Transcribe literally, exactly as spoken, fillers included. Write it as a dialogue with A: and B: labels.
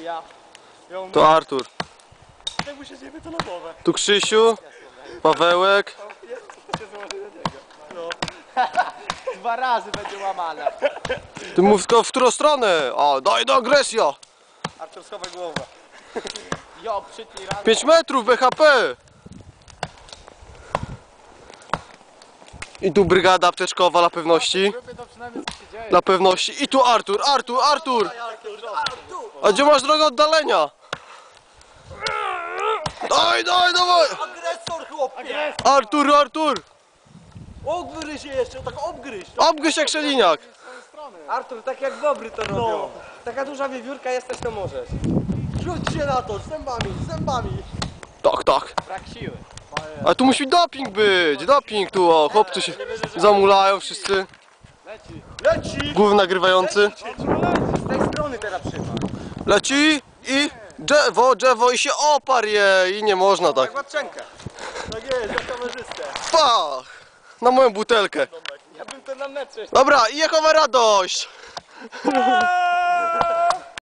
A: Ja. Ją
B: To Artur.
A: tak mu się zjebie to na głowę.
B: Tu Krzysiu, Pawełek.
A: No. Dwa razy będzie łamane.
B: Ty mów tylko w którą stronę? A, daj do agresja.
A: Artur, schowaj głowę. Jo, przytnij raz.
B: pięć metrów B H P. I tu brygada apteczkowa dla pewności.
A: To przynajmniej co się dzieje.
B: Dla pewności. I tu Artur, Artur, Artur. A gdzie masz drogę oddalenia? Daj, daj, dawaj.
A: Agresor, chłopie!
B: Artur, Artur.
A: Obgryź się jeszcze, tak obgryź.
B: Obgryź jak szeliniak.
A: Artur, tak jak bobry to robią. No. Taka duża wiewiórka jesteś, to możesz. Rzuć się na to, zębami, zębami.
B: Tak, tak.
A: Brak siły.
B: A tu musi doping być. Doping tu, o. Chłopcy się zamulają wszyscy.
A: Leci. Leci!
B: Głów nagrywający.
A: Z tej strony teraz przyma.
B: Leci i drzewo, drzewo i się oparł je. I nie można tak.
A: Jak łapczenkę. Tak jest, jak kamerzystę.
B: Pach! Na moją butelkę.
A: Ja bym to na metrze.
B: Dobra, i jakowa radość!